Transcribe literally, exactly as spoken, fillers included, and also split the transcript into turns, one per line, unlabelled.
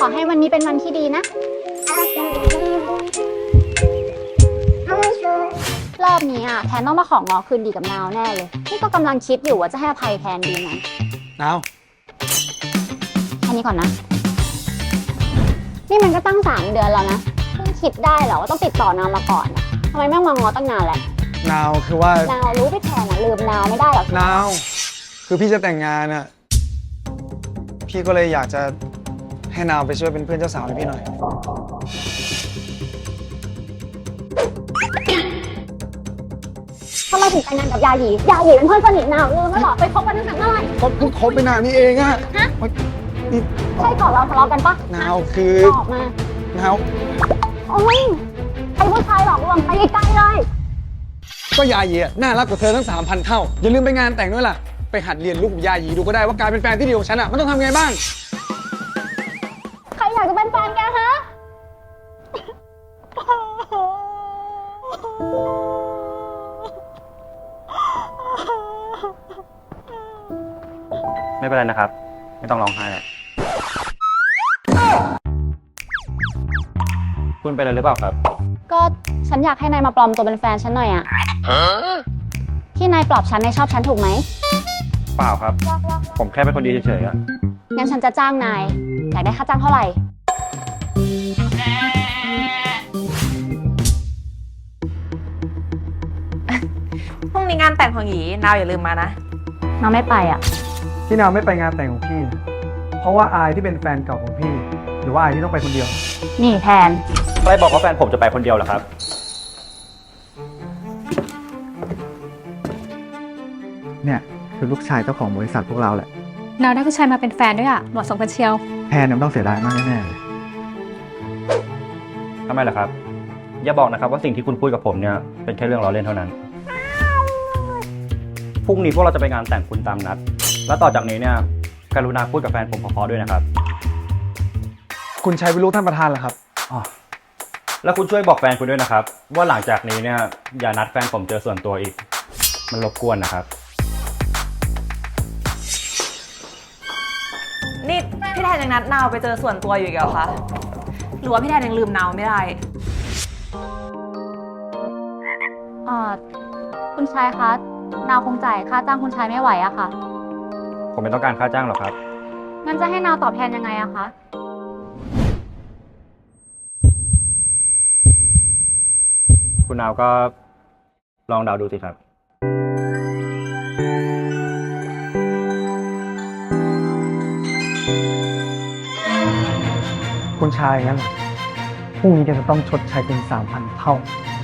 อให้วันนี้เป็นวันที่ดีนะ รอบนี้อ่ะแทนต้องมาของอคืนดีกับนาวแน่เลยนี่ก็กำลังคิดอยู่ว่าจะให้อภัยแทนดีไหม
นาว
แค่นี้ก่อนนะ นี่มันก็ตั้งสามเดือนแล้วนะเพิ่งคิดได้เหรอว่าต้องติดต่อนาวมาก่อนอะทำไมแม่งมางอตั้งนานแล้ว
นาวคือว่าน
าวรู้ไปแทนอ่ะลืมนาวไม่ได้หรอก
นาว คือพี่จะแต่งงานอ่ะ พี่ก็เลยอยากจะให้นาวไปช่วยเป็นเพื่อนเจ้าสาวให้พี่หน่อย
ทำไมถึงแต่งงานกับยาหยียาหยีเป็นเพื่อนสนิทนาวลืมแล้วเหรอไปคบกันตั้งแต่เมื่อไหร่
ก็เพิ่งคบไปนานนี่เองอะ
ฮะ
นี่
ใช่ก่อนเราทะเลาะกันปะ
นาวคือ
บอกมา
นาว
โอ้ยไอ้ผู้ชายหลอกลวงไปไกลๆเลย
ก็ยายีอะน่ารักกว่าเธอทั้งสามพันเท่า อย่าลืมไปงานแต่งด้วยล่ะ ไปหัดเรียนรู้กับยายีดูก็ได้ว่าการเป็นแฟนที่ดีของฉันอะมันต้องทำไงบ้าง
ใครอยากจะเป็นแฟนแกฮะ
ไม่เป็นไรนะครับ ไม่ต้องร้องไห้แล้วคุณเป็นอะไรหรือเปล่าครับ
ก็ฉันอยากให้นายมาปลอมตัวเป็นแฟนฉันหน่อยอะที่นายปลอบฉันนายชอบฉันถูกไหม
เปล่าครับ ผมแค่เป็นคนดีเฉยๆอะ
งั้นฉันจะจ้างนาย อยากได้ค่าจ้างเท่าไหร่
พรุ่งนี้งานแต่งของหยีนาวอย่าลืมมานะ
น้องไม่ไปอ่ะ
ที่นาวไม่ไปงานแต่งของพี่ เพราะว่าอายที่เป็นแฟนเก่าของพี่ หรือว่าอายที่ต้องไปคนเดียว
นี่แทน
ใครบอกว่าแฟนผมจะไปคนเดียวเหรอครับ
เนี่ยคือลูกชายเจ้าของบริษัทพวกเราแหละ
นาวได้ผู้ชายมาเป็นแฟนด้วยอ่ะเหมาะสมกันเชียว
แทนเนี่ยมันต้องเสียดายมากแน่ๆเลย
ทำไมล่ะครับ อย่าบอกนะครับว่าสิ่งที่คุณพูดกับผมเนี่ยเป็นแค่เรื่องล้อเล่นเท่านั้น พรุ่งนี้พวกเราจะไปงานแต่งคุณตามนัด และต่อจากนี้เนี่ยกรุณาพูดกับแฟนผมเพอๆด้วยนะครับ
คุณชัยเป็นลูกท่านประธานเหรอครับ
อ๋อแล้วคุณช่วยบอกแฟนคุณด้วยนะครับ ว่าหลังจากนี้เนี่ยอย่านัดแฟนผมเจอส่วนตัวอีก มันรบกวนนะครับ
นี่พี่แทนยังนัดนาวไปเจอส่วนตัวอยู่อีกเหรอคะ หรือว่าพี่แทนยังลืมนาวไม่ได้
เอ่อ คุณชายคะ นาวคงจ่ายค่าจ้างคุณชายไม่ไหวอะค่ะ
ผมไม่ต้องการค่าจ้างหรอกครับ
งั้นจะให้นาวตอบแทนยังไงอะคะ
คุณนาวก็ลองเดาดูสิครับ
คุณชายงั้นเหรอพรุ่งนี้แกจะต้องชดใช้เป็นสามพันเท่า